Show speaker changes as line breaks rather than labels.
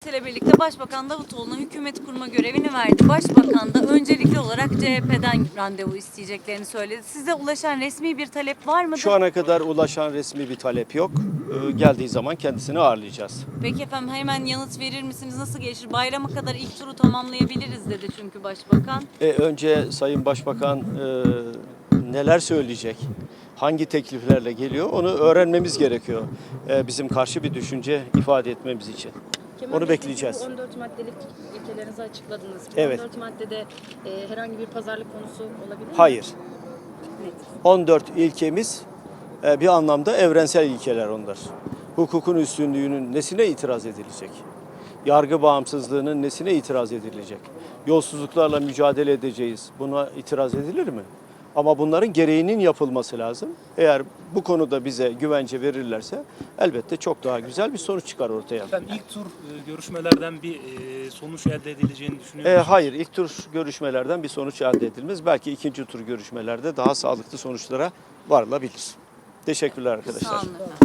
ile birlikte Başbakan Davutoğlu'na hükümet kurma görevini verdi. Başbakan da öncelikli olarak CHP'den randevu isteyeceklerini söyledi. Size ulaşan resmi bir talep var mıdır?
Şu ana kadar ulaşan resmi bir talep yok. Geldiği zaman kendisini ağırlayacağız.
Peki efendim, hemen yanıt verir misiniz? Nasıl gelişir? Bayrama kadar ilk turu tamamlayabiliriz dedi çünkü Başbakan.
Önce Sayın Başbakan neler söyleyecek, hangi tekliflerle geliyor onu öğrenmemiz gerekiyor. Bizim karşı bir düşünce ifade etmemiz için. Onu bekleyeceğiz.
Bu 14 maddelik ilkelerinizi açıkladınız. Bu
Evet.
14 maddede herhangi bir pazarlık konusu olabilir mi?
Hayır.
Net.
14 ilkemiz bir anlamda evrensel ilkeler onlar. Hukukun üstünlüğünün nesine itiraz edilecek? Yargı bağımsızlığının nesine itiraz edilecek? Yolsuzluklarla mücadele edeceğiz. Buna itiraz edilir mi? Ama bunların gereğinin yapılması lazım. Eğer bu konuda bize güvence verirlerse elbette çok daha güzel bir sonuç çıkar ortaya.
Efendim ilk tur görüşmelerden bir sonuç elde edileceğini düşünüyor musunuz?
Hayır, ilk tur görüşmelerden bir sonuç elde edilmez. Belki ikinci tur görüşmelerde daha sağlıklı sonuçlara varılabilir. Teşekkürler arkadaşlar.
Sağ olun efendim.